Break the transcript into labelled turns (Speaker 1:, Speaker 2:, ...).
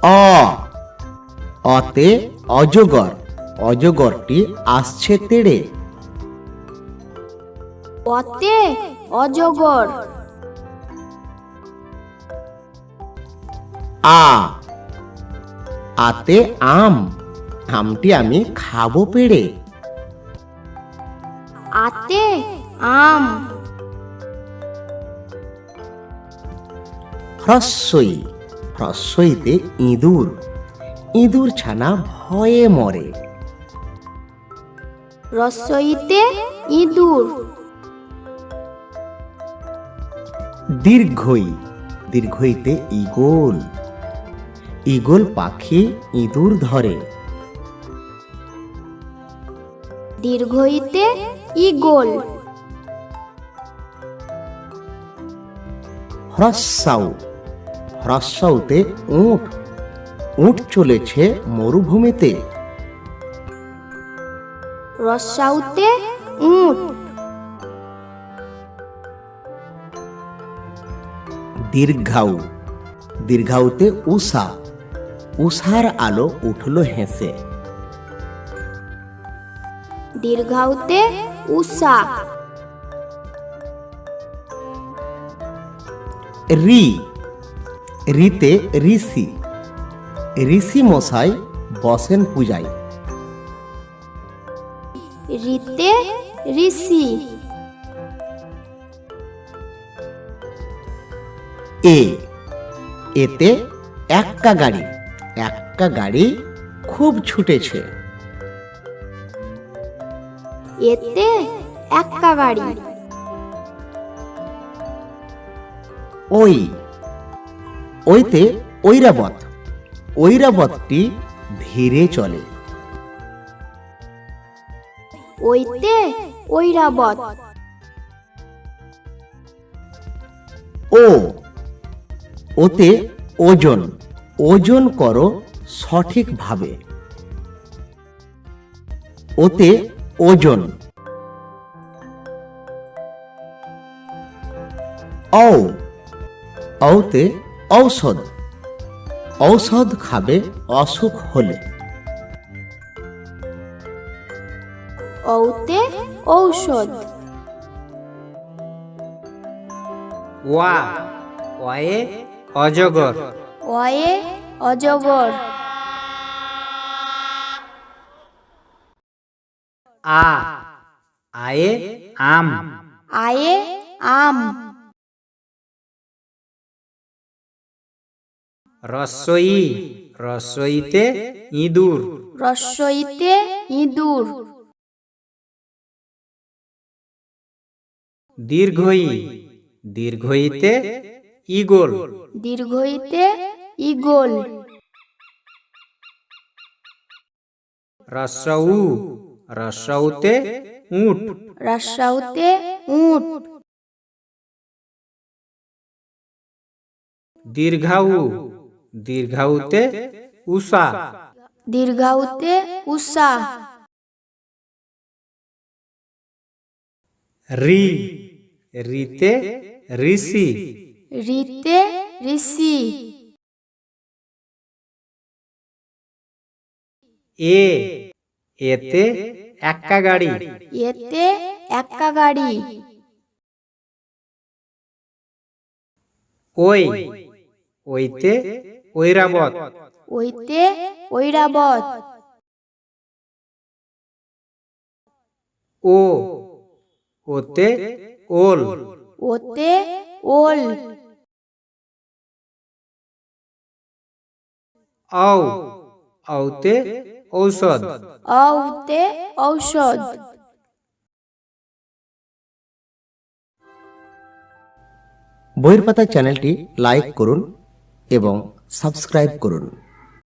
Speaker 1: অ, অতে অজগর, অজগরটি আসছে তেড়ে।
Speaker 2: অতে অজগর।
Speaker 1: আ, আতে আম, আমটি আমি খাবো পেড়ে।
Speaker 2: আতে আম।
Speaker 1: হ্রস্বই, হ্রস্বইতে ইঁদুর, ইঁদুর ছানা ভয়ে মরে।
Speaker 2: রস্বইতে ইঁদুর।
Speaker 1: দীর্ঘই, দীর্ঘইতে ঈগল, ঈগল পাখি ইঁদুর ধরে।
Speaker 2: দীর্ঘইতে ঈগল।
Speaker 1: হ্রস্বাউ, হ্রস্বাউতে উট, উট চলেছে মরুভূমিতে।
Speaker 2: রস্বাউতে উট।
Speaker 1: দীর্ঘাউ, দীর্ঘাউতে উষা, উষার আলো উঠল হেসে।
Speaker 2: দীর্ঘাউতে উষা।
Speaker 1: রি, রিতে ঋষি, ঋষি মশাই বসেন পূজায়।
Speaker 2: রিতে ঋষি।
Speaker 1: এ, এতে এক্কা গাড়ি, এক্কা গাড়ি খুব ছুটেছে।
Speaker 2: এতে এক্কা গাড়ি।
Speaker 1: ওই, ওইতে ঐরাবত, ঐরাবতটি ধীরে চলে।
Speaker 2: ওইতে ঐরাবত।
Speaker 1: ও, ওতে ওজন, ওজন করো সঠিকভাবে। ওতে ওজন। ঔ, ঔতে ঔষধ, ঔষধ খাবে অসুখ হলে।
Speaker 2: ঔতে ঔষধ।
Speaker 3: ওয়া, ওয়ে অজগর।
Speaker 2: অয়ে অজগর।
Speaker 3: আ, আয়ে আম।
Speaker 2: আয়ে আম।
Speaker 3: রস্বই, রস্বইতে ইঁদুর।
Speaker 2: রস্বইতে ইঁদুর।
Speaker 3: দীর্ঘই, দীর্ঘইতে ঈগল।
Speaker 2: দীর্ঘইতে ঈগল।
Speaker 3: রস্বউ, রস্বউতে উট।
Speaker 2: রস্বাউতে উট।
Speaker 3: দীর্ঘাউ, দীর্ঘাউতে উষা।
Speaker 2: দীর্ঘাউতে উষা।
Speaker 3: রি, রিতে ঋষি।
Speaker 2: রিতে ঋষি।
Speaker 3: এ, এতে এক্কা গাড়ি।
Speaker 2: এতে এক্কা গাড়ি।
Speaker 3: ওই, ওইতে ঐরাবত।
Speaker 2: ওইতে ঐরাবত।
Speaker 3: ও, ওতে ওল।
Speaker 2: ওতে ওল।
Speaker 3: ঔ, ঔতে ঔষধ।
Speaker 2: ঔতে ঔষধ।
Speaker 1: বইয়ের পাতা চ্যানেলটি লাইক করুন এবং সাবস্ক্রাইব করুন।